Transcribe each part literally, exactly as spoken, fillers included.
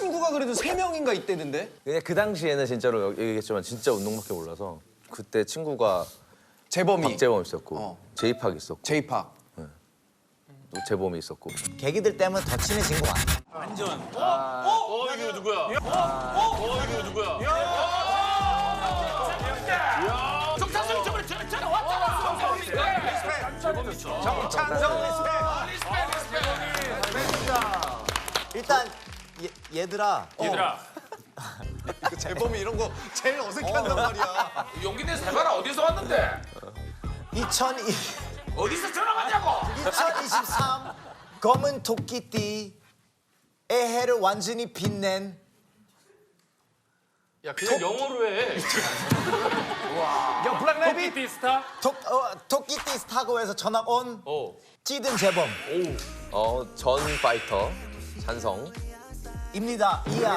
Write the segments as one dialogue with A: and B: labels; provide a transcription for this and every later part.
A: 친구가 그래도 세 명인가 있대는데?
B: 그냥 그 당시에는 진짜로 얘기했지만 진짜 운동밖에 몰라서 그때 친구가
A: 재범이.
B: 박재범 있었고
A: 어.
B: 제이팍 있었고
A: 제이팍.
B: 또 재범이 있었고
C: 계기들 때문에 더 친해진 거 같아.
D: 완전. 어? 어? 어? 이게 누구야? 어? 어? 어? 이게 누구야? 야! 정찬성이 저번에 저, 저 왔잖아!
C: 정찬성 일단 얘, 얘들아
D: 얘들아,
A: 그 재범이 이런 거 제일 어색해한단 말이야.
D: 용기 내서 해봐라. 어디서 왔는데?
C: 이천이
D: 어디서 전화 왔냐고?
C: 이천이십삼 검은 토끼띠 애해를 완전히 빛낸
D: 야, 그냥 영어로 해.
A: 야, 블랙 레빗.
D: 토끼 스타?
C: 토, 어, 토끼띠 스타고에서 전학 온
D: 어.
C: 찌든 재범
B: 어, 전 파이터 찬성
C: 입니다. 이야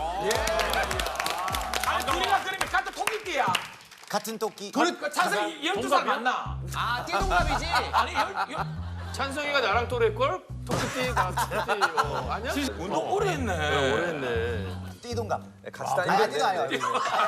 D: 아니, 둘이가 그러면 같은 토끼띠야.
C: 같은 토끼
D: 그 찬성이 열두 살 맞나?
A: 아, 띠동갑이지?
D: 아니, 열, 열... 찬성이가 나랑 또래걸? 토끼띠가 토끼띠, 어, 아니야? 운동 오래 했네. 오래 했네.
C: 띠동갑
B: 같이
C: 아니
B: 다니는데
C: 아니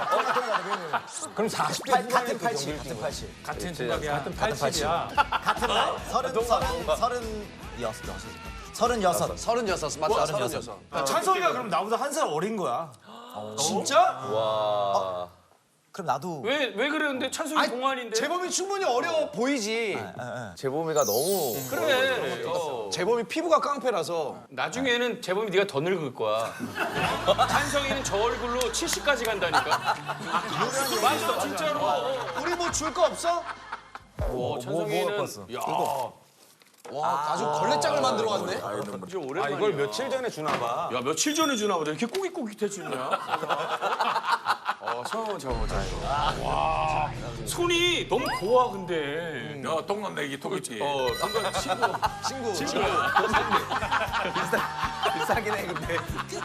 A: 그럼 사십 대
C: 같은 팔십 같은 팔십
D: 같은 생각이야. 같은 팔십이야.
C: 같은 날 서른 서른 서른 여섯 여섯 서른 여섯
A: 서른여섯, 맞다, 서른여섯.
E: 찬성이가 그럼 나보다 한 살 어린 거야.
A: 진짜?
B: 와
C: 그럼 나도
D: 왜, 왜 그러는데? 찬성이 동안인데?
A: 재범이 충분히 어려 보이지.
B: 재범이가 너무
D: 그래. 어.
A: 재범이 피부가 깡패라서.
D: 나중에는 재범이 네가 더 늙을 거야. 찬성이는 저 얼굴로 칠십까지 간다니까. 맞아, 진짜로.
A: 우리 뭐 줄 거 없어?
D: 어, 찬성이는 야,
A: 와, 아주 걸레장을 만들어 왔네.
D: 진짜 오랜만이야. 이걸 며칠 전에 주나 봐. 야, 며칠 전에 주나 보다. 이렇게 꼬깃꼬깃해지냐? 어, 저, 저, 저. 와, 손이 너무 고와 근데.
F: 야, 동갑내기 토끼띠.
D: 어, 순간 친구.
A: 친구.
D: 친구.
B: 비싸긴 해 근데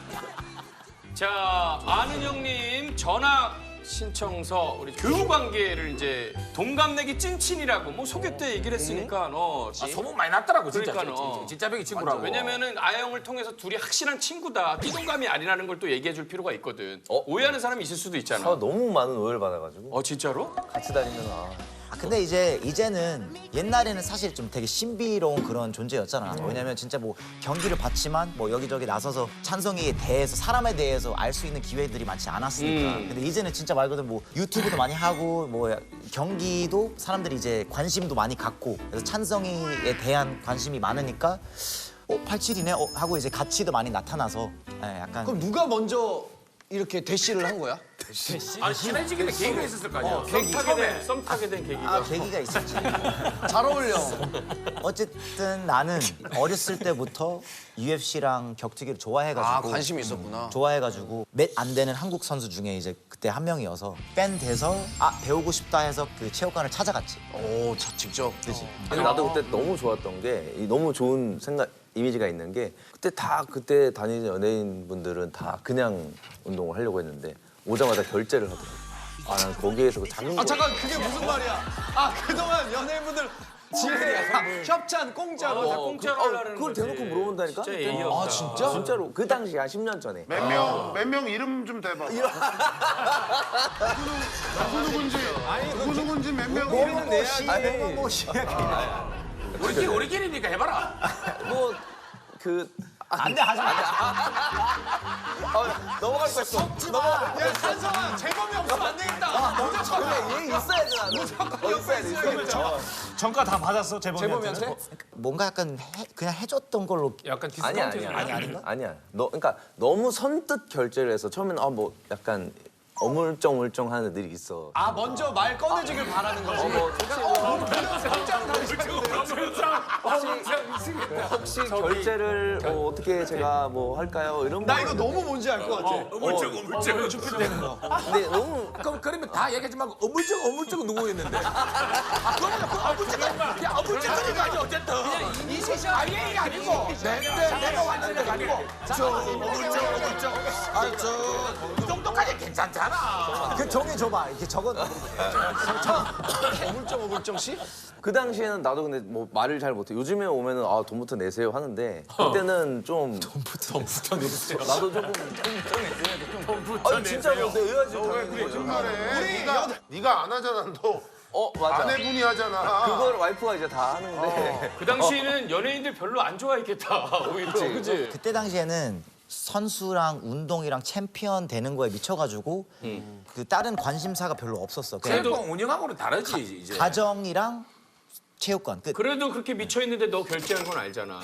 D: 자, 아는 형님 전학 신청서 우리 교우 관계를 이제 동갑내기 찐친이라고 뭐 소개 때 얘기를 했으니까 어.
F: 아, 소문 많이 났더라고, 진짜.
D: 그러니까, 어.
F: 진짜, 진짜 벽이 친구라고.
D: 왜냐면은 아영을 통해서 둘이 확실한 친구다. 띠동감이 아니라는 걸 또 얘기해 줄 필요가 있거든.
B: 어?
D: 오해하는 사람이 있을 수도 있잖아.
B: 아, 너무 많은 오해를 받아가지고
D: 어, 진짜로?
B: 같이 다니면 아
C: 아, 근데 이제 이제는 옛날에는 사실 좀 되게 신비로운 그런 존재였잖아. 왜냐면 진짜 뭐 경기를 봤지만 뭐 여기저기 나서서 찬성이에 대해서 사람에 대해서 알 수 있는 기회들이 많지 않았으니까.
D: 음.
C: 근데 이제는 진짜 말 그대로 뭐 유튜브도 많이 하고 뭐 경기도 사람들이 이제 관심도 많이 갖고 그래서 찬성이에 대한 관심이 많으니까 어 팔십칠이네 어, 하고 이제 가치도 많이 나타나서 예, 약간
A: 그럼 누가 먼저 이렇게 대시를 한 거야?
F: 아니, 친해지기 때 계기가 있었을 거 아니야.
D: 썸 타게 된, 썸 타게 된 계기가.
C: 아, 계기가 있었지.
A: 잘 어울려.
C: 어쨌든 나는 어렸을 때부터 유에프씨랑 격투기를 좋아해가지고
A: 아, 관심이 있었구나.
C: 좋아해가지고 몇 안 되는 한국 선수 중에 이제 그때 한 명이어서 팬 돼서 아 배우고 싶다 해서 그 체육관을 찾아갔지.
A: 오, 자, 직접.
C: 그지?
B: 근데 나도 그때 너무 좋았던 게 이 너무 좋은 생각 이미지가 있는 게 그때 다 그때 다니는 연예인 분들은 다 그냥 운동을 하려고 했는데 오자마자 결제를 하더라고. 아 난 거기에서 그 작은
A: 아,
B: 거
A: 잠깐, 그게 무슨 말이야? 아, 그동안 연예인분들 지금 협찬 공짜로.
D: 어, 공짜로
B: 그- 어,
D: 하려는
B: 그걸
D: 거지.
B: 대놓고 물어본다니까?
D: 진짜 예의없다.
A: 아, 진짜?
B: 진짜로 그 당시 한 십 년 전에
G: 몇 명, 몇 명 이름 좀 대봐. 누구 누군지, 누구 누군지 몇 명 이름
C: 내야지. 뭐
F: 우리끼리, 우리끼리니까 해봐라.
B: 뭐 그
C: 안돼 하지 마.
B: 아, 넘어갈 거 있어. 넘어가.
A: 야, 찬성아, 재범이 없으면 안 되겠다. 무조건
B: 얘 있어야 돼 나는. 어, 있어야 돼. 있어야 돼.
E: 전가 다 받았어 재범이한테.
A: 재범이한테?
C: 뭔가 약간 해, 그냥 해줬던 걸로
D: 약간
B: 아니야
D: 디스카운트
B: 아니야
C: 아니, 아닌가?
B: 아니야. 너 그러니까 너무 선뜻 결제를 해서 처음에는 아 뭐 약간 어물쩡물쩡한 애들이 있어.
A: 아, 먼저 말 꺼내주길 바라는 거지.
B: 뭐
A: 혹시
B: 혹시 결제를 어, 어떻게 제가 뭐 할까요? 이런
A: 나
B: 거.
A: 이거 너무 뭔지 알 것 같아.
F: 어물쩍, 어물쩍.
B: 근데 너무
F: 그럼 그러면 다 얘기하지 말고 어물쩍, 어물쩍 누구였는데? 아, 그러면 그 어물쩍, 야, 어물쩍거리는 거 아니야, 어쨌든. 이 세상 아예 얘기 아니고, 내, 내, 내가 왔는데 아니고. 저, 어물쩍, 어물쩍. 아, 저, 이 정도까지 괜찮아. 괜찮잖아.
C: 그 종이 줘봐. 이렇게 적어.
A: 어물쩡 어물쩡 씨?
B: 그 당시에는 나도 근데 뭐 말을 잘 못해. 요즘에 오면은 아 돈부터 내세요 하는데 그때는 좀 돈부터 돈부터 내세요. 나도 조금 돈부터 아니 진짜로 내야지.
G: 거짓말해. 네가 네가 안 하잖아. 너
B: 어 맞아.
G: 아내분이 하잖아.
B: 그걸 와이프가 이제 다 하는데.
D: 그 당시에는 연예인들 별로 안 좋아했겠다. 오히려. 그치?
C: 그때 당시에는 선수랑 운동이랑 챔피언 되는 거에 미쳐가지고 그 다른 관심사가 별로 없었어. 그냥
F: 체육관 운영하고는 다르지 이제.
C: 가정이랑 체육관 끝.
D: 그래도 그렇게 미쳐 있는데 너 결제한 건 알잖아.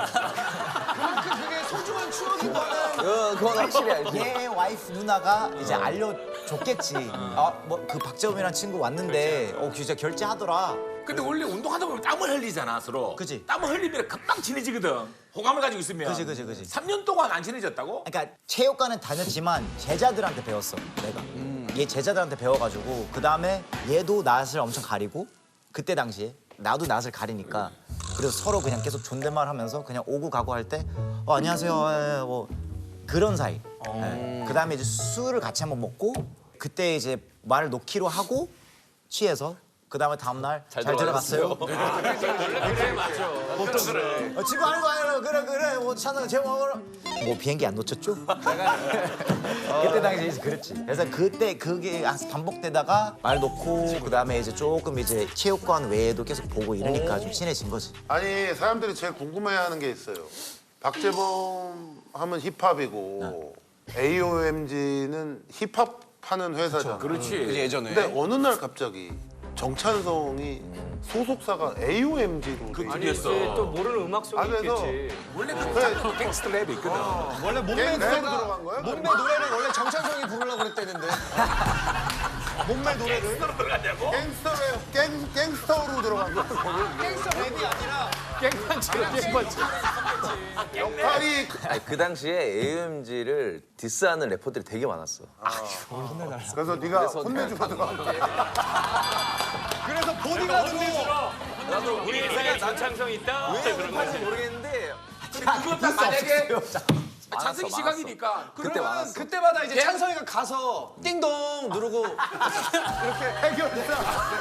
A: 그게 소중한 추억인 거야.
B: 어, 그건 확실히 알지.
C: 얘 와이프 누나가 이제 알려줬겠지. 아, 뭐 그 박재범이라는 친구 왔는데 어 진짜 결제하더라.
F: 근데 원래 운동하다 보면 땀을 흘리잖아 서로.
C: 그지.
F: 땀을 흘리면 금방 친해지거든. 호감을 가지고 있으면.
C: 그지, 그지, 그지.
F: 삼 년 동안 안 친해졌다고?
C: 그러니까 체육관은 다녔지만 제자들한테 배웠어 내가. 얘 제자들한테 배워가지고 그 다음에 얘도 낯을 엄청 가리고 그때 당시에 나도 낯을 가리니까 그래서 서로 그냥 계속 존댓말하면서 그냥 오고 가고 할 때 어, 안녕하세요 예, 뭐 그런 사이. 예. 그 다음에 이제 술을 같이 한번 먹고 그때 이제 말을 놓기로 하고 취해서. 그 다음에 다음 날 잘 들어갔어요.
D: 그래 맞죠. 보통 그래.
C: 어, 친구 알고 알고 그래 그래 뭐 찬성 제목으로 뭐 비행기 안 놓쳤죠? 그때 당시에 이제 그랬지. 그래서 그때 그게 반복되다가 말 놓고 그 다음에 이제 조금 이제 체육관 외에도 계속 보고 이러니까 좀 친해진 거지.
G: 아니 사람들이 제일 궁금해하는 게 있어요. 박재범 하면 힙합이고 에이오엠지는 힙합 하는 회사잖아.
F: 그렇지.
A: 예전에.
G: 근데 어느 날 갑자기 정찬성이 소속사가 에이오엠지로 돼
D: 아니
G: 있어.
D: 이제 또 모르는 음악성이
G: 아, 그래서
D: 있겠지.
F: 원래
G: 그래.
F: 그 갱스터 랩이 있거든.
A: 원래 몸매
G: 랩으로
A: 노래가
G: 들어간 거야?
A: 몸매 노래를 원래 정찬성이 부르려고 그랬대는데. 몸매 노래를.
F: 들어갔냐고?
G: 갱스터 랩, 갱, 갱스터로 들어간 거야.
A: 갱스터 랩이 아니라
D: 깽판치로 깽판치.
G: 역할이
B: 아니, 그 당시에 에이오엠지를 디스하는 래퍼들이 되게 많았어.
G: 그래서 네가 혼내주고 들어간 거야.
A: 그래서 보디가드로
D: 우리 회사에 전창성 있다.
B: 왜
D: 그런
B: 그런지
D: 거지.
B: 모르겠는데
F: 그거 딱 만약에
B: 많았어,
F: 찬성이
B: 많았어.
F: 시각이니까
B: 그때
A: 그러면
B: 많았어.
A: 그때마다 이제 찬성이가 가서 띵동 누르고 이렇게 해결사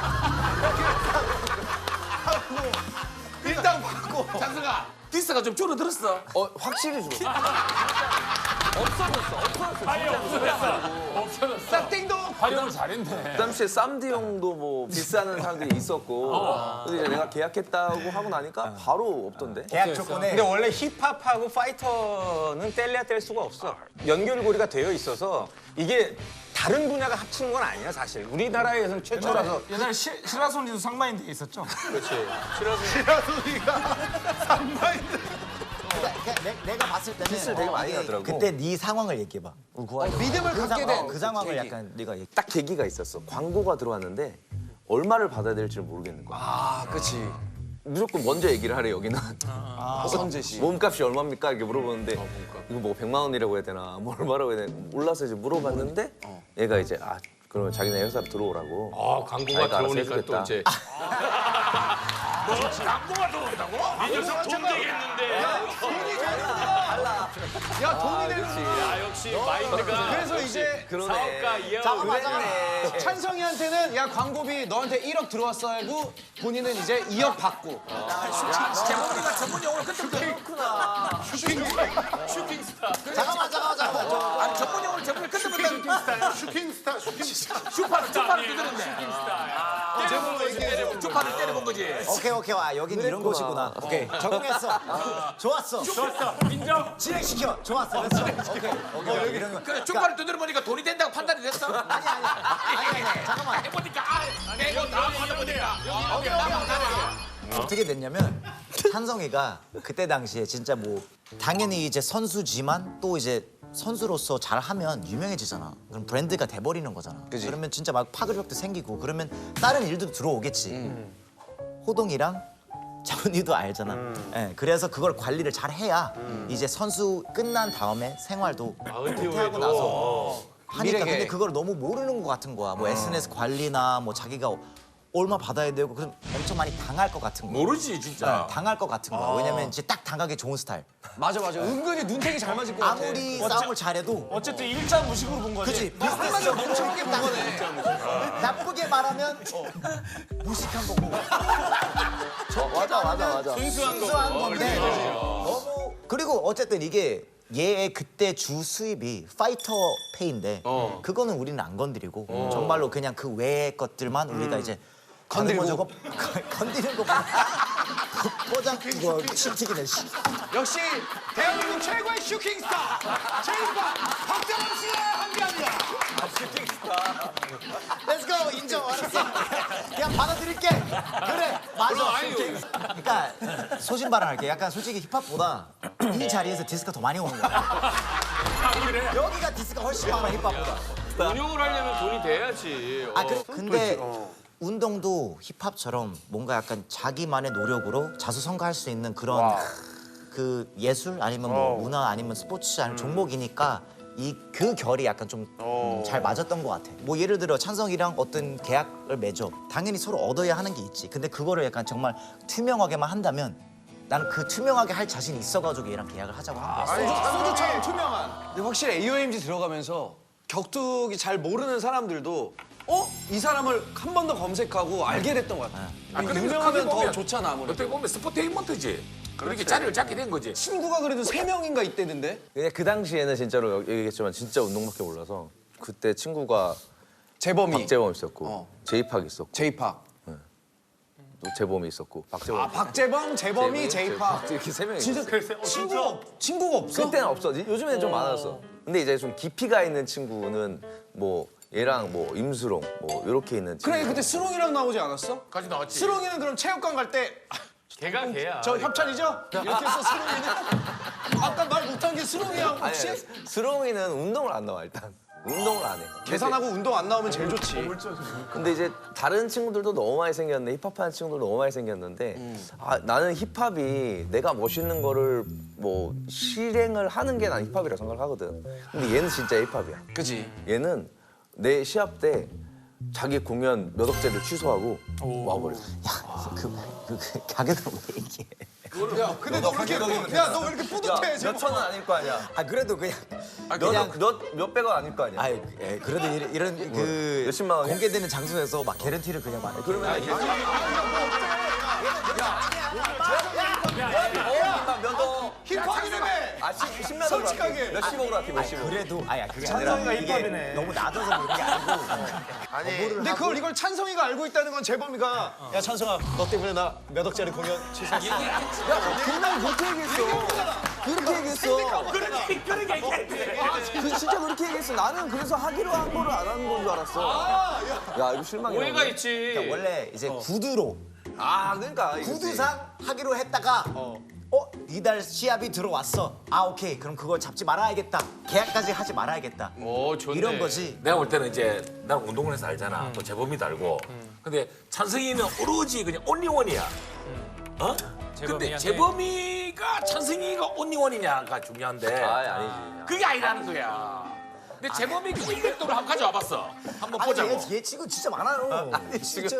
A: 하고 일당 받고
F: 찬성아 디스가 좀 줄어들었어.
B: 어 확실히 줄어. 없어졌어. 없어졌어.
D: 아니 없어졌어. 없어졌어.
A: 딱 띵동
D: 활용을 잘했네.
B: 그 당시에 쌈디 형도 뭐 디스하는 사람들이 있었고 근데 이제 내가 계약했다고 하고 나니까 바로 없던데.
C: 계약 조건에
H: 근데 원래 힙합하고 파이터는 뗄래야 뗄 수가 없어. 연결고리가 되어 있어서 이게 다른 분야가 합치는 건 아니야 사실. 우리나라에서는 최초라서.
E: 옛날에 시, 시라소니도 상마인드 있었죠?
G: 시라소니가 상마인드.
C: 그러니까 그냥 내, 내가 봤을 때는
B: 디스를 되게 많이
C: 이게
B: 하더라고.
C: 그때 네 상황을 얘기해봐.
A: 믿음을
C: 그,
A: 갖게
C: 상,
A: 된
C: 어, 그 상황을 약간 네가 얘기.
B: 딱 계기가 있었어. 광고가 들어왔는데 얼마를 받아야 될지 모르겠는 거야.
A: 아, 그렇지.
B: 무조건 먼저 얘기를 하래 여기는.
A: 허성재 씨.
B: 몸값이 얼마입니까? 이렇게 물어보는데 이거 뭐 백만 원이라고 해야 되나 뭐 얼마라고 해야 되나 몰라서 이제 물어봤는데 얘가 이제 아 그러면 자기네 회사로 들어오라고.
D: 아 광고가
B: 자기가 알아서
D: 들어오니까 또
B: 해주겠다.
D: 이제. 뭐 광고가 들어온다고? 이 녀석 돈 되겠는데.
A: 야, 돈이 되는
D: 야 역시 마인드가.
A: 그래서 이제
B: 그러네.
D: 사업가 이하.
C: 잠깐만 잠깐만.
A: 찬성이한테는 야 광고비 너한테 일억 들어왔어 하고 본인은 이제 이억 받고
F: 제목이가 전문 용어로 그때부터
D: 슈팅스타.
C: 잠깐만 잠깐만 잠깐만. 저,
F: 아니 전문 용어를 제목을 그때부터
G: 슈킹스타, 슈킹스타.
F: 슈파를 슈파를 두드렸네.
A: 제목으로 얘기해.
F: 슈파를 때려본 거지.
C: 오케이 오케이 와 여기는 이런 곳이구나. 오케이 적응했어. 좋았어.
D: 좋았어. 인정.
C: 진행시켜. 좋았어. 됐어. 오케이. 오케이 여기 이런 거.
F: 그래 슈파를 두드려 보니까 돈이 된다고 판단이 됐어.
C: 아니 아니 아니 아니 잠깐만.
F: 해보니까 아 내가 다 받아보니까.
C: 오케이 오케이 오케이. 어떻게 됐냐면 찬성이가 그때 당시에 진짜 뭐 당연히 이제 선수지만 또 이제 선수로서 잘하면 유명해지잖아. 그럼 브랜드가 돼버리는 거잖아. 그러면 진짜 막 파급력도 생기고 그러면 다른 일도 들어오겠지. 호동이랑 장훈이도 알잖아. 예, 그래서 그걸 관리를 잘 해야 이제 선수 끝난 다음에 생활도 은퇴하고 나서 하니까
A: 미래계.
C: 근데 그걸 너무 모르는 것 같은 거야. 뭐 에스엔에스 관리나 뭐 자기가 얼마 받아야 되고 그럼 엄청 많이 당할 것 같은 거.
D: 모르지 진짜.
C: 네, 당할 것 같은 거. 왜냐면 이제 딱 당하기 좋은 스타일.
A: 맞아 맞아. 은근히 눈탱이 잘 맞을 것 같아.
C: 아무리 싸움을 잘해도
E: 어쨌든 일자 무식으로 본 거지.
C: 그치 비슷해서
A: 멍청하게 본 거네.
C: 나쁘게 말하면 무식한 거고
B: 어, 맞아 맞아 맞아.
D: 순수한
C: 순수한
D: 거.
C: 건데 너무 그리고 어쨌든 이게 얘의 그때 주 수입이 파이터 페이인데
D: 어.
C: 그거는 우리는 안 건드리고 정말로 그냥 그 외의 것들만 우리가 이제
A: 건드리고.
C: 저거 건드리는 거 포장 이거 침튀기네 씨.
A: 역시 대한민국 최고의 슈킹스타 제이파 박정원 씨가 함께합니다.
C: Let's go 인정 알았어. 그냥 받아들일게. 그래 맞아. 그러니까 소신발언 할게. 약간 솔직히 힙합보다 이 자리에서 디스가 더 많이 오는 거야. 여기가 디스가 훨씬 많아 힙합보다.
D: 운영을 하려면 돈이 돼야지.
C: 아 그, 근데 운동도 힙합처럼 뭔가 약간 자기만의 노력으로 자수성가할 수 있는 그런 그 예술 아니면 뭐 문화 아니면 스포츠 아니면 종목이니까 이 그 결이 약간 좀 잘 맞았던 것 같아. 뭐 예를 들어 찬성이랑 어떤 계약을 맺어. 당연히 서로 얻어야 하는 게 있지. 근데 그거를 약간 정말 투명하게만 한다면 나는 그 투명하게 할 자신이 있어가지고 얘랑 계약을 하자고 한 거야.
A: 소주, 소주처럼 투명한. 근데 확실히 에이오엠지 들어가면서 격투기 잘 모르는 사람들도 어? 이 사람을 한 번 더 검색하고 알게 됐던 것 같아.
D: 아, 그러니까
A: 유명하면
D: 크게
A: 더
D: 보면
A: 좋잖아 아무래도.
D: 어떻게 보면 스포테인먼트지. 그렇게 자리를 잡게 된 거지.
A: 친구가 그래도 세 명인가 있대던데?
B: 근데 그 당시에는 진짜로 얘기했지만 진짜 운동밖에 몰라서 그때 친구가
A: 재범이.
B: 박재범 있었고
A: 어.
B: 제이팍 있었고
A: 제이팍.
B: 또 재범이 있었고 박재범.
A: 아 박재범, 재범이, 제이팍.
B: 이렇게 세 명이
A: 진짜
B: 있었어요.
A: 친구가 없, 친구가 없어?
B: 그때는 없어. 요즘에는 좀 많았어. 근데 이제 좀 깊이가 있는 친구는 뭐 얘랑 뭐 임수롱 뭐 이렇게 있는 친구.
A: 그래 그때 스롱이랑 나오지 않았어?
D: 같이 나왔지.
A: 스롱이는 그럼 체육관 갈 때
D: 걔가 걔야.
A: 저 협찬이죠? 이렇게 해서 스롱이는 아까 말 못한 게 스롱이야
B: 아니,
A: 혹시?
B: 아니, 스롱이는 운동을 안 나와 일단. 운동을 안 해.
A: 계산하고 운동 안 나오면 제일 좋지.
B: 근데 이제 다른 친구들도 너무 많이 생겼는데 힙합하는 친구들도 너무 많이 생겼는데 아, 나는 힙합이 내가 멋있는 거를 뭐 실행을 하는 게 난 힙합이라고 생각을 하거든. 근데 얘는 진짜 힙합이야.
A: 그지?
B: 얘는 내 시합 때 자기 공연 몇 억째를 취소하고 와버렸어.
C: 그, 그, 그 가격을 왜 얘기해?
A: 야 근데 너 왜 이렇게 야 너 왜 이렇게 뿌듯해?
B: 몇
A: 제발.
B: 천 원 아닐 거 아니야.
C: 아 그래도 그냥
B: 그냥 몇 몇백 원 아닐 거 아니야.
C: 아 예, 그래도 이런, 이런 그
B: 몇십만 원이야?
C: 공개되는 장소에서 막 개런티를 그냥 막
B: 그러면 아, 몇억
A: 힙합이라며.
B: 아 십몇 억
A: 솔직하게.
B: 몇십억으로 할게 몇십억.
C: 그래도 아야 그게 아니라 이게 너무 낮아서 그런 게 아니고
G: 아니
A: 근데 그걸 이걸 찬성이가 알고 있다는 건 재범이가 야 찬성아 너 때문에 나 몇 억짜리 공연 취소했어.
B: 그날 그렇게 얘기했어. 그렇게 얘기했어.
D: 그렇게 그렇게 얘기했대.
B: 그 진짜 그렇게 얘기했어. 나는 그래서 하기로 한 거를 안 하는 건 줄 알았어. 야 이거 실망이야.
D: 오해가 있지.
C: 그러니까 원래 이제 구두로
B: 아 그러니까 이거지.
C: 구두상 하기로 했다가 어, 이달 시합이 들어왔어. 아 오케이 그럼 그걸 잡지 말아야겠다. 계약까지 하지 말아야겠다.
D: 오 좋네.
C: 이런 거지.
I: 내가 볼 때는 이제 난 운동을 해서 알잖아. 또 재범이도 알고. 근데 찬성이는 오로지 그냥 온리원이야. 어? 근데 재범이가 찬성이가 온리원이냐가 중요한데
B: 아 아니지.
I: 그게 아니라는 거야. 근데 재범이 그 이백 도를 한번 가져와봤어. 한번
C: 아니
I: 보자고.
C: 얘, 얘 친구 진짜 많아요. 진짜.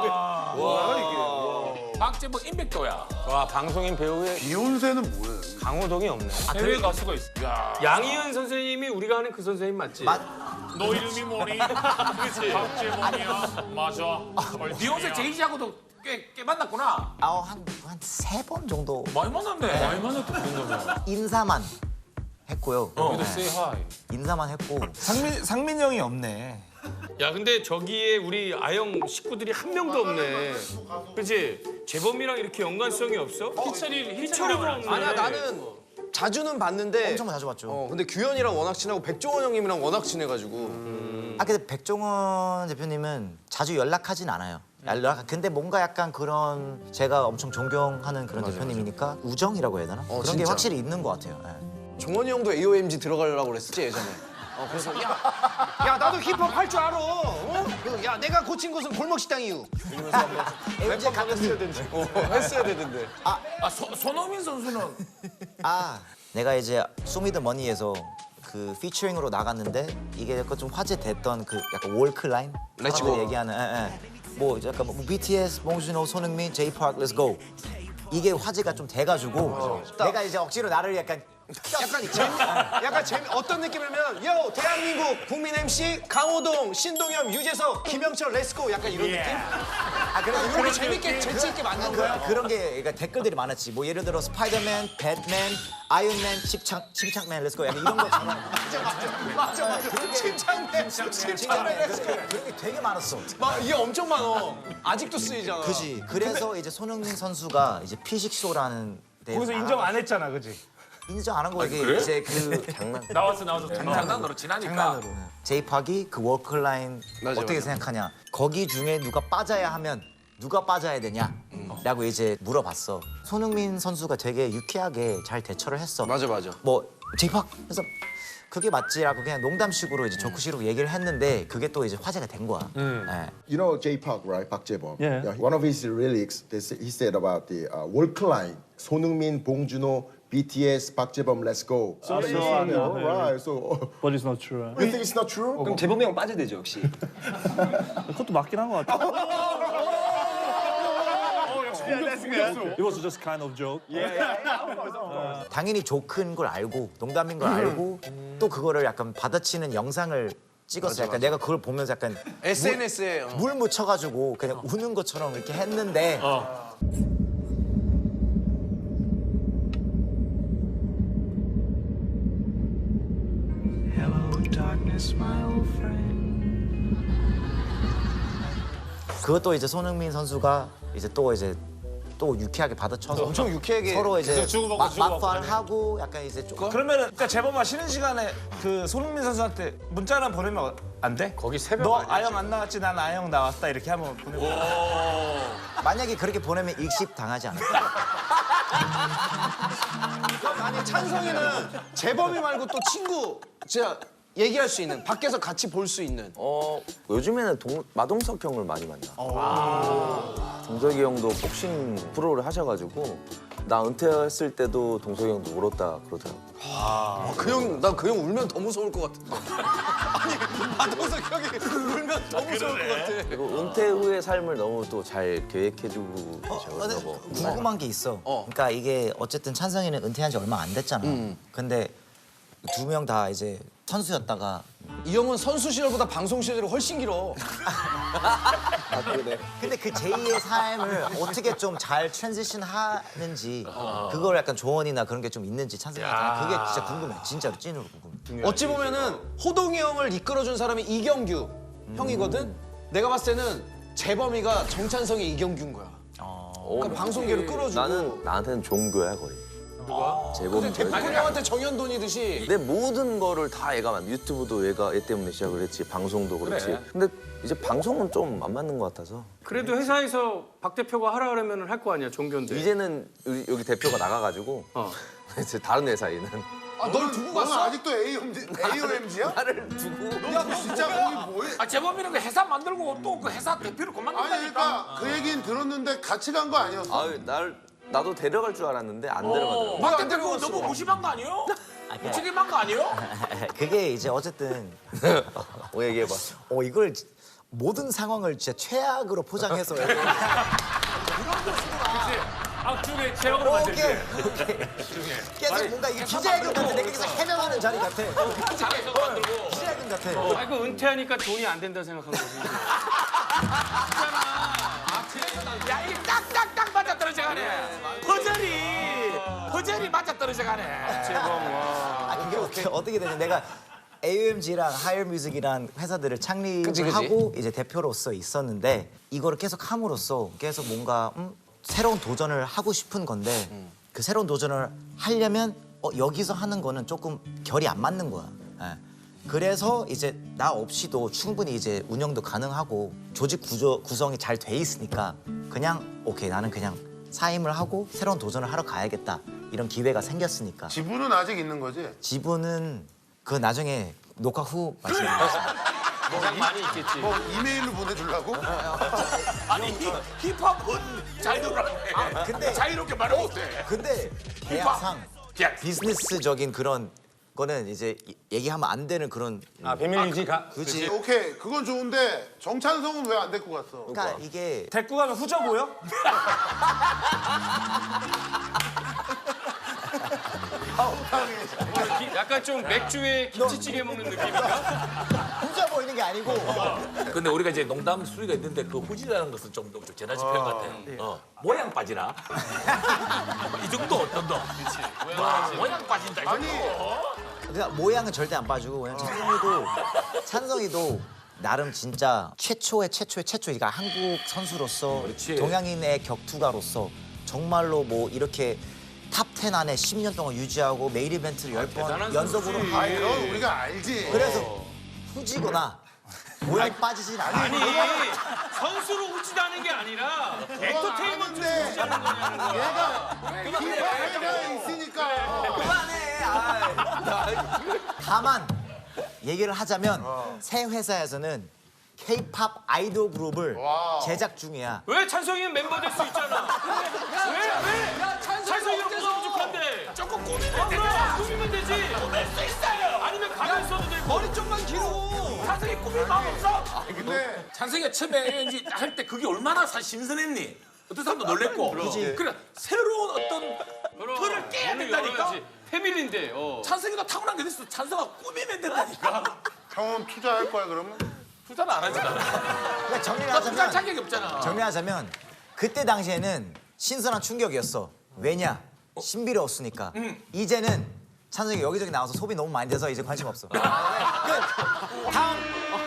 I: 박재범 이백 도야.
H: 와 방송인 배우의
G: 비욘세는 뭐예요?
H: 강호동이 없네.
D: 해외 가수가 있어. 양희은 선생님이 우리가 아는 그 선생님 맞지?
C: 맞-
J: 너 이름이 뭐니? 그치? 박재범이야. 맞아.
I: 비욘세 제이지하고도 꽤, 꽤 만났구나.
C: 아한한 세 번 정도
I: 많이 만났네.
D: 많이 만났다 그런 거면.
C: 인사만 했고요.
D: 우리도 say hi.
C: 인사만 했고
E: 상민 상민 형이 없네.
D: 야 근데 저기에 우리 아영 식구들이 한 명도 없네. 그치? 재범이랑 이렇게 연관성이 없어? 희철이 희철이도 없네.
A: 아니야 나는 자주는 봤는데
C: 엄청 자주 봤죠.
A: 어 근데 규현이랑 워낙 친하고 백종원 형님이랑 워낙 친해가지고
C: 아 근데 백종원 대표님은 자주 연락하진 않아요. 연락 근데 뭔가 약간 그런 제가 엄청 존경하는 그런 대표님이니까 우정이라고 해야 되나? 그런 게
A: 진짜.
C: 확실히 있는 것 같아요. 예.
A: 종원이 형도 에이오엠지 들어가려고 그랬었지 예전에. 어 그래서 야, 야 나도 힙합 할 줄 알아. 어? 그, 야 내가 고친 곳은 골목 식당 이유.
C: 랩 가끔
A: 했어야 되는데. 어, 했어야 되는데.
I: 아, 소, 손흥민 선수는
C: 아 내가 이제 소미더머니에서 그 피처링으로 나갔는데 이게 약간 좀 화제됐던 그 약간 월클라인
A: 렛츠고.
C: 사람들이 얘기하는 예, 예. 뭐 약간 뭐 비티에스, 봉준호, 손흥민, 제이팍, Let's go. 이게 화제가 좀 돼가지고 내가 이제 억지로 나를 약간
A: 약간 재미, 약간 재미 어떤 느낌이냐면 요 대한민국 국민 엠씨 강호동, 신동엽, 유재석, 김영철 렛츠고 약간 이런 느낌?
C: 아 그래서
A: 이런 거 재밌게 재치 있게 만든 거야.
C: 그런 게 그러니까 댓글들이 많았지. 뭐 예를 들어 스파이더맨, 배트맨, 아이언맨, 침착 침착맨 렛츠고 약간 이런 것처럼.
A: 맞아 맞아 맞아. 침착맨, 침착맨 렛츠고.
C: 그런 게 되게 많았어.
A: 막 이게 엄청 많어. 아직도 쓰이잖아.
C: 그지. 그래서 이제 손흥민 선수가 이제 피식쇼라는 데
E: 거기서 인정 안 했잖아, 그지?
C: 인정 안 한 거 이게
I: 그래?
C: 이제 그 장난.
J: 나왔어 나왔어.
I: 장난으로 지나니까.
E: 장난으로.
C: 제이팍이 그 워크라인
A: 맞아,
C: 어떻게
A: 맞아.
C: 생각하냐? 거기 중에 누가 빠져야 하면 누가 빠져야 되냐? 라고 이제 물어봤어. 손흥민 선수가 되게 유쾌하게 잘 대처를 했어.
A: 맞아 맞아.
C: 뭐 제이팍 해서 그게 맞지라고 그냥 농담식으로 이제 조크식으로 얘기를 했는데 그게 또 이제 화제가 된 거야. 예.
K: You know J Park, right? Park Jae-bom.
E: Yeah.
K: One of his lyrics, they say, he said about the uh, work line. 손흥민, 봉준호, 비티에스, Park Jae-bom, let's go. So,
E: so I know, yeah.
K: right. So,
E: But it's not true.
K: you think it's not true?
F: 그럼 재범이 형 빠져야 되죠 역시.
E: 그것도 맞긴 한 것 같아. It was just kind of joke.
C: 당연히 조크인 걸 알고 농담인 걸 알고 또 그거를 약간 받아치는 영상을 찍었어. 약간 내가 그걸 보면서 약간
A: 에스엔에스에 어.
C: 물 묻혀가지고 그냥 우는 것처럼 이렇게 했는데 그것도 이제 손흥민 선수가 이제 또 이제 또 유쾌하게 받아쳐서
A: 엄청 유쾌하게
C: 서로 이제
J: 주고받고
C: 마-
J: 주고받고
C: 막판하고 약간 이제 좀
E: 그러면은 그러니까 재범아 쉬는 시간에 그 손흥민 선수한테 문자나 보내면 안 돼?
H: 거기 새벽
E: 너
H: 아니야,
E: 아영 안 나왔지, 난 아영 나왔다 이렇게 하면 보내고.
C: 만약에 그렇게 보내면 일십 당하지 않을까?
A: 아니 찬성이는 재범이 말고 또 친구 진짜 얘기할 수 있는 밖에서 같이 볼 수 있는.
B: 어 요즘에는 동, 마동석 형을 많이 만나. 동석이 형도 복싱 프로를 하셔가지고 나 은퇴했을 때도 동석이 형도 울었다 그러더라고.
A: 그 형, 나 그 형 울면 더 무서울 것 같은데. 아니, 마동석 형이 울면 더 무서울 것 같아.
B: 그리고 은퇴 후의 삶을 너무 또 잘 계획해주고
C: 어, 근데
B: 계셔서
C: 궁금한 게 있어. 그러니까 이게 어쨌든 찬성이는 은퇴한 지 얼마 안 됐잖아. 근데 두 명 다 이제 선수였다가
A: 이 형은 선수 시절보다 방송 시절이 훨씬 길어.
C: 근데 그 제이의 삶을 어떻게 좀 잘 트랜지션 하는지 그걸 약간 조언이나 그런 게 좀 있는지 찬성이한테 그게 진짜 궁금해. 진짜로 찐으로 궁금해.
A: 어찌 보면은 호동이 형을 이끌어준 사람이 이경규 형이거든. 내가 봤을 때는 재범이가 정찬성의 이경규인 거야. 그러니까 방송계를 끌어주고.
B: 나는 나한테는 종교야 거의. 누가? 재범.
A: 대표 형한테 정현돈이듯이.
B: 내 모든 거를 다 얘가 만 유튜브도 얘가 얘 때문에 시작을 했지 방송도 그렇지.
H: 그래.
B: 근데 이제 방송은 좀 안 맞는 것 같아서
D: 그래도 회사에서 박 대표가 하라 그러면 할 거 아니야 종교인데.
B: 이제는 여기, 여기 대표가 나가가지고
D: 어.
B: 이제 다른 회사에 있는
A: 아, 널 두고
G: 너는
A: 갔어?
G: 아직도 에이오엠지야?
B: 나를 두고
G: 야, 진짜 거기 뭐해?
I: 아 재범이는 그 회사 만들고 또 그 회사 대표를
G: 아니
I: 그만둔다니까.
G: 그러니까 그 얘기는 들었는데 같이 간 거 아니었어?
B: 아유 날 나도 데려갈 줄 알았는데 안
I: 어,
B: 데려가더라고.
I: 박 대표 너무 무심한 거 아니에요? 무책임한 거 아니에요?
C: 그게 이제 어쨌든
B: 뭐 얘기해봐.
C: 어 이걸 모든 상황을 진짜 최악으로 포장해서
J: 악중의 제약으로 만들지.
C: 오케이 오케이 계속 뭔가 이게 기자회견 같아. 내가 계속 해명하는 자리 같아.
I: 자기에서 만들고.
C: 기자회견 같아.
D: 아, 그 은퇴하니까 돈이 안 된다 생각한 거지.
I: 야 이게 딱딱딱 맞아 떨어져가네. 퍼즐이 퍼즐이 맞아 떨어져가네.
C: 아, 그게 어떻게, 어떻게 되냐. 내가 에이오엠지랑 하이어뮤직이란 회사들을 창립을
A: 그치, 그치.
C: 하고 이제 대표로서 있었는데 이거를 계속 함으로써 계속 뭔가 음, 새로운 도전을 하고 싶은 건데 그 새로운 도전을 하려면 어, 여기서 하는 거는 조금 결이 안 맞는 거야. 예. 그래서 이제 나 없이도 충분히 이제 운영도 가능하고 조직 구조 구성이 잘 돼 있으니까 그냥 오케이 나는 그냥 사임을 하고 새로운 도전을 하러 가야겠다 이런 기회가 생겼으니까
G: 지분은 아직 있는 거지?
C: 지분은 그 나중에 녹화 후 말씀드리겠습니다.
D: 가장 많이 있겠지.
G: 뭐 이메일로 보내주려고?
I: 아니 히- 힙합은 자유롭게
C: 근데-
I: 자유롭게 말을 못해.
C: 근데 계약상
I: 계약.
C: 비즈니스적인 그런 거는 이제 이- 얘기하면 안 되는 그런
H: 아 비밀 유지가.
C: 그지.
G: 오케이 그건 좋은데 정찬성은 왜 안 데리고 갔어?
C: 그러니까 이게
E: 데리고 가면 후져 보여?
D: 약간 좀 맥주에 김치찌개 먹는 느낌인가?
C: 후져 보이는 게 아니고
I: 근데 우리가 이제 농담 수위가 있는데 그 후지라는 것은 좀, 좀 재나치 표현 같아. 어. 모양 빠지나? 이 정도 어떤 도 와, 모양 빠진다. 이 정도.
C: 그러니까 모양은 절대 안 빠지고 왜냐면 찬성이도 찬성이도 나름 진짜 최초의 최초의 최초 그러니까 한국 선수로서
I: 그렇지.
C: 동양인의 격투가로서 정말로 뭐 이렇게 탑 텐 안에 십 년 동안 유지하고 메인 이벤트를 열 번 연속으로 하고
G: 아니 넌 우리가 알지.
C: 그래서 후지거나 모양 빠지진 않아.
D: 아니 선수로 후지다는 게 아니라 엔터테인먼트로
G: 아는데
D: 후지하는 거냐는 거야.
G: 얘가 기회가 있으니까.
C: 그만해. 아이. 다만 얘기를 하자면 새 회사에서는 K-팝 아이돌 그룹을 제작 중이야.
D: 왜 찬성이는 멤버 될 수 있잖아. 왜 왜? 찬성이는 뭐가 부족한데? 조금 꾸미면 되지. 꾸미면 되지. 꾸밀 수 있어요. 아니면 가면 써도 되고. 머리 좀만 길고. 찬성이 꾸밀 마음 없어.
G: 근데
I: 찬성이가 처음에 이제 할 때 그게 얼마나 사실 신선했니? 어떤 사람도 놀랬고.
C: 그치.
I: 그래 새로운 어떤 틀을 깨야 된다니까.
D: 패밀리인데. 어.
I: 찬성이가 타고난 게 있어. 찬성아 꾸미면 된다니까.
G: 형은 투자할 거야 그러면?
I: 투자는 안 하잖아.
C: 그러니까 정리를
I: 나 투자할
C: 하자면
I: 자격이 없잖아.
C: 정리하자면 그때 당시에는 신선한 충격이었어. 왜냐? 신비로웠으니까. 이제는 찬성이 여기저기 나와서 소비 너무 많이 돼서 이제 관심 없어. 끝. 다음.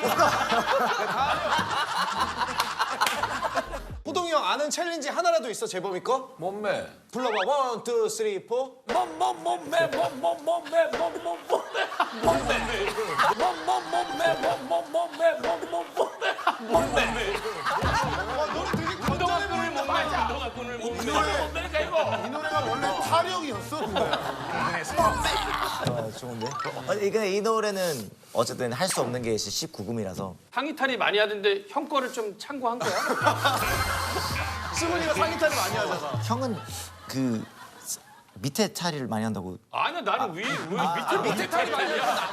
A: 호동이 형 아는 챌린지 하나라도 있어 재범이 거?
I: 몸매.
A: 불러봐. 원, 투, 쓰리, 포.
I: 몸몸 몸매 몸몸 몸매 몸몸 몸매 몸매 몸몸 몸매 몸몸 몸매 몸몸 몸매 몸매.
D: 운동화 끈을 못 매. 운동화 끈을 못 매.
I: 몸매니까 이거.
G: 이 노래가 원래 타령이었어.
C: 어, 좋은데? 어, 근데 이 노래는 어쨌든 할 수 없는 게 십구 금이라서
D: 상의탈이 많이 하던데 형 거를 좀 참고한 거야?
A: 승훈이가 상의탈을 많이 하잖아.
C: 형은 그 밑에 탈의를 많이 한다고.
D: 아니야 나는 위, 위 밑에 밑에 탈이 많이 야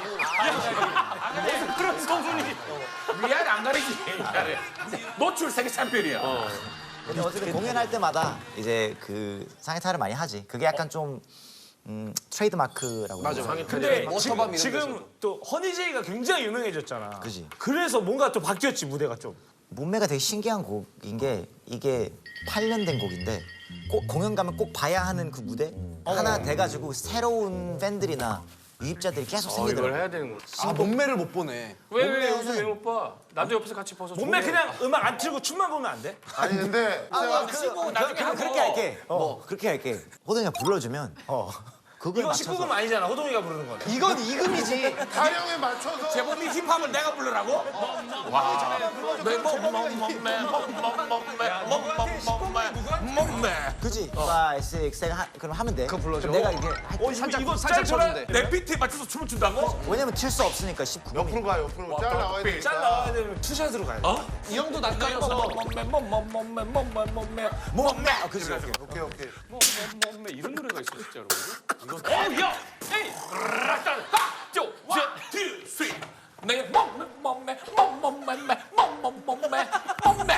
D: 그런 소문이.
I: 위아래 안 가리지. 노출 세계 챔피언이야.
C: 근데 어쨌든 공연할 때마다 이제 그 상의 탈을 많이 하지. 그게 약간 좀 음, 트레이드 마크라고.
A: 맞아.
E: 근데
A: 워터밤
E: 지금,
A: 이런
E: 지금 또 허니제이가 굉장히 유명해졌잖아.
C: 그지.
E: 그래서 뭔가 또 바뀌었지 무대가 좀.
C: 몸매가 되게 신기한 곡인 게 이게 팔 년 된 곡인데 꼭 공연 가면 꼭 봐야 하는 그 무대 하나 돼가지고 새로운 팬들이나 유입자들이 계속
D: 이걸
C: 생기더라고.
D: 해야 되는 거.
A: 아 몸매를 못 보네.
D: 왜 왜 여기서 왜 못 봐? 나도 옆에서 같이 벗어.
E: 몸매 그냥 음악 안 틀고 춤만 보면 안 돼?
G: 아니 근데
C: 아, 그, 그, 그, 그렇게 할게. 어, 그렇게 할게. 호동이가 불러주면 어, 그거에
E: 이거
C: 맞춰서.
E: 십구 금 아니잖아. 호동이가 부르는 거.
A: 이건 이금이지.
G: 타령에 맞춰서
I: 재범이 힙합을 내가 부르라고? 와. 내 몸몸 몸매 몸몸 몸매 몸몸 몸매 몸매.
C: 그지? 오, 육, 칠 하, 그럼 하면 돼. 그거
A: 불러줘.
C: 내가 이게 할게.
E: 어,
A: 살짝
E: 이거
A: 살짝
E: 짤
A: 쳐준대.
I: 내 비트에 맞춰서 춤을 춘다고?
C: 왜냐면 튈 수 없으니까 십구 금이.
G: 옆으로 가 옆으로 잘 나와야 되니까.
E: 짤 나와야 되면 투샷으로 가야 돼.
I: 어?
A: 이 형도 낯가려서
I: 몸매 몸몸 몸매 몸매 몸매
C: 몸매. 아, 그지?
G: 오케이 오케이.
D: 뭐, 뭐, 뭐, 이런 노래가 있어 진짜로. 이거. 어, 야, 에이, 락딱딱쪼,
I: 원, 투, 쓰리. 내 몸매 몸매 몸몸 몸매 몸몸 몸매 몸매.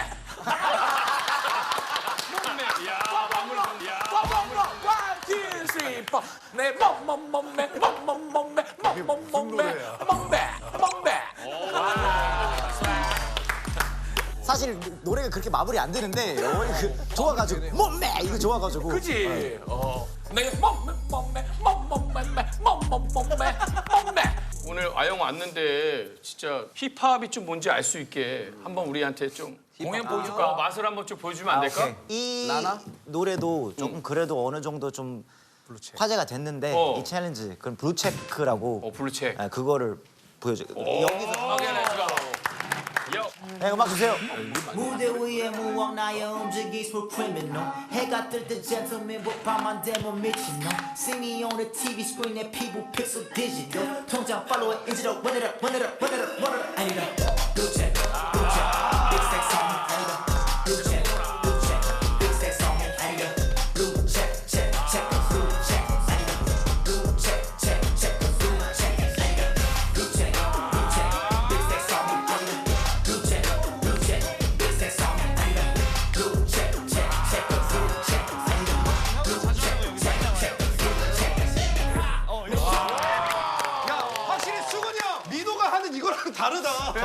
D: 야, 마무리 좀, 야.
I: 원, 투, 쓰리, 포. 내 몸몸 몸매 몸몸 몸매 몸몸 몸매 몸매 몸매.
C: 사실 노래가 그렇게 마무리 안 되는데 어머니 그 좋아가지고 몸매 이거 좋아가지고.
I: 그지? 어. 내 몸매 몸매 몸몸 몸매 몸몸 몸매 몸매.
D: 오늘 아영 왔는데 진짜 힙합이 좀 뭔지 알 수 있게 한번 우리한테 좀 공연 보여줄까? 어, 맛을 한번 좀 보여주면 안 될까?
C: 이
A: 나나?
C: 노래도 조금 그래도 어느 정도 좀 화제가 됐는데
D: 어.
C: 이 챌린지 그럼 블루체크라고
D: 어, 블루체.
C: 아, 그거를 보여줘. 여기서
D: 오케이, 렛츠고. 요.
C: 네, 음악 주세요.
L: 무대 위에 무언 나의 움직이 for criminal 해가 뜰 때 gentleman 밤만 되면 미친놈 See me on the 티비 screen 내 피부 픽셀 디지털 통장 팔로워 인지도 run it up run it up run it up run it up 아니다 blue check blue check big stack song 아니다 blue check blue check big stack song 아니다 blue check check check blue check 아니다 blue check check check blue check
A: 선수가 하는 이거랑 다르다.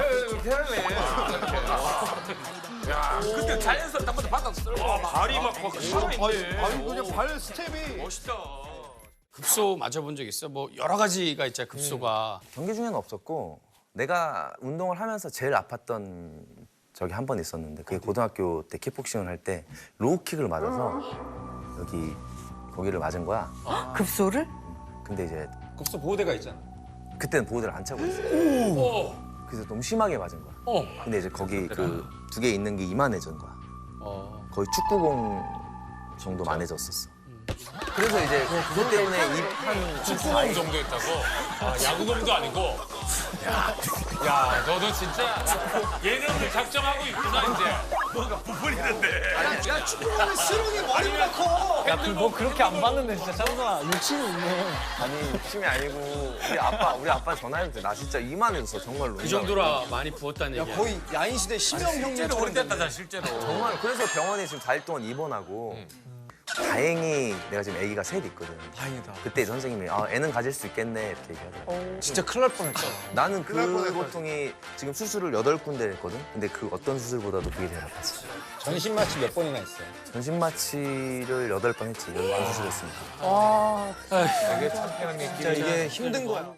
I: 야, 근데 자연스럽게 한번 바닥 쓸고
D: 발이 막 막 살아있네.
A: 아니 그냥 발 스텝이.
D: 멋있다.
J: 급소 맞아본 적 있어? 뭐 여러 가지가 있잖아 급소가.
B: 경기 중에는 없었고 내가 운동을 하면서 제일 아팠던 적이 한 번 있었는데 그게 고등학교 때 킥복싱을 할 때 로우킥을 맞아서 여기 거기를 맞은 거야.
M: 급소를?
B: 근데 이제
H: 급소 보호대가 있잖아.
B: 그때는 보호대를 안 차고 있어.
J: 오.
B: 그래서 너무 심하게 맞은 거야.
J: 어.
B: 근데 이제 거기 그 두 개 있는 게 이만해진 거야.
J: 어.
B: 거의 축구공 정도 만해졌었어. 그래서 이제 그것 때문에 입한
J: 축구공 정도 했다고? 아, 야구공도 아니고. 야, 야, 너도 진짜 예능을 작정하고 있구나 이제.
I: 뭔가 부풀리는데.
A: 야 축구공은 스롱이 머리보다 커.
C: 야, 뭐 그렇게 안 봤는데 진짜 찬성아 욕심이 있네.
B: 아니 욕심이 아니고 우리 아빠 우리 아빠 전화했는데 나 진짜 이만해졌어 정말로.
J: 그 정도로 많이 부었다는 얘기야.
A: 거의 야인 시대 심형
I: 실제로
A: 형님처럼
I: 그랬다잖아 실제로.
B: 정말 그래서 병원에 지금 사 일 동안 입원하고 다행히 내가 지금 아기가 셋 있거든.
A: 다행이다.
B: 그때 선생님이 아, 애는 가질 수 있겠네 이렇게 얘기하더라고.
A: 진짜 큰일 날 뻔했잖아.
B: 나는 그 고통이 지금 수술을 여덟 군데 했거든. 근데 그 어떤 수술보다도 그게 제일 아팠어.
H: 전신 마취 몇 번이나 했어요?
B: 전신 마취를 여덟 번 했지. 여덟 번 수술했으니까.
M: 와.
A: 진짜 이게 힘든 거야.